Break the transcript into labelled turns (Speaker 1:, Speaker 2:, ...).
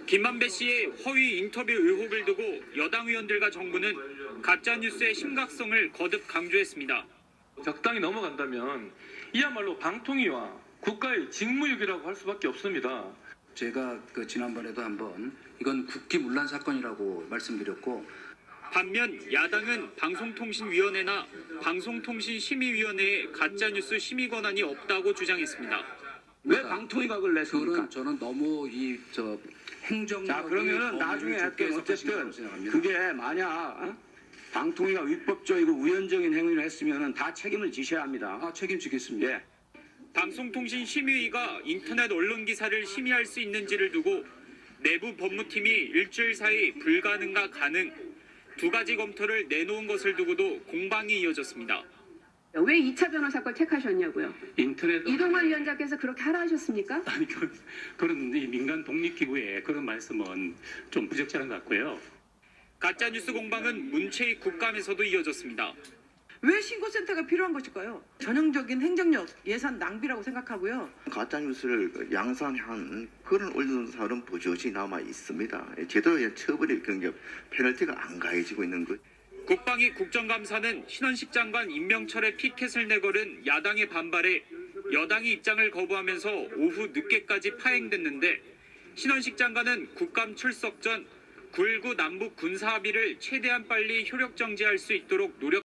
Speaker 1: 김만배 씨의 허위 인터뷰 의혹을 두고 여당 의원들과 정부는 가짜뉴스의 심각성을 거듭 강조했습니다.
Speaker 2: 적당히 넘어간다면 이야말로 방통위와 국가의 직무유기라고 할 수밖에 없습니다.
Speaker 3: 제가 지난번에도 한번 이건 국기문란 사건이라고 말씀드렸고,
Speaker 1: 반면 야당은 방송통신위원회나 방송통신심의위원회에 가짜뉴스 심의 권한이 없다고 주장했습니다.
Speaker 4: 왜 방통위가 그걸 냈습니까?
Speaker 3: 저는 너무 행정력이
Speaker 4: 자, 그러면은 나중에 어쨌든 그게 만약 방통위가 위법적이고 우연적인 행위를 했으면은 다 책임을 지셔야 합니다.
Speaker 3: 책임지겠습니다.
Speaker 4: 예.
Speaker 1: 방송통신심의위가 인터넷 언론 기사를 심의할 수 있는지를 두고 내부 법무팀이 일주일 사이 불가능과 가능 두 가지 검토를 내놓은 것을 두고도 공방이 이어졌습니다.
Speaker 5: 왜 2차 변호사 걸 택하셨냐고요?
Speaker 6: 인터넷
Speaker 5: 이동환 위원장께서 그렇게 하라 하셨습니까?
Speaker 6: 아니 그런 이 민간 독립기구의 그런 말씀은 좀 부적절한 것 같고요.
Speaker 1: 가짜뉴스 공방은 문체위 국감에서도 이어졌습니다.
Speaker 7: 왜 신고센터가 필요한 것일까요? 전형적인 행정력, 예산 낭비라고 생각하고요.
Speaker 8: 가짜뉴스를 양산한 그런 언론사는 버젓이 남아 있습니다. 제대로 처벌이 페널티가 안 가해지고 있는 것.
Speaker 1: 국방위 국정감사는 신원식 장관 임명철에 피켓을 내걸은 야당의 반발에 여당이 입장을 거부하면서 오후 늦게까지 파행됐는데 신원식 장관은 국감 출석 전 9.19 남북 군사합의를 최대한 빨리 효력 정지할 수 있도록 노력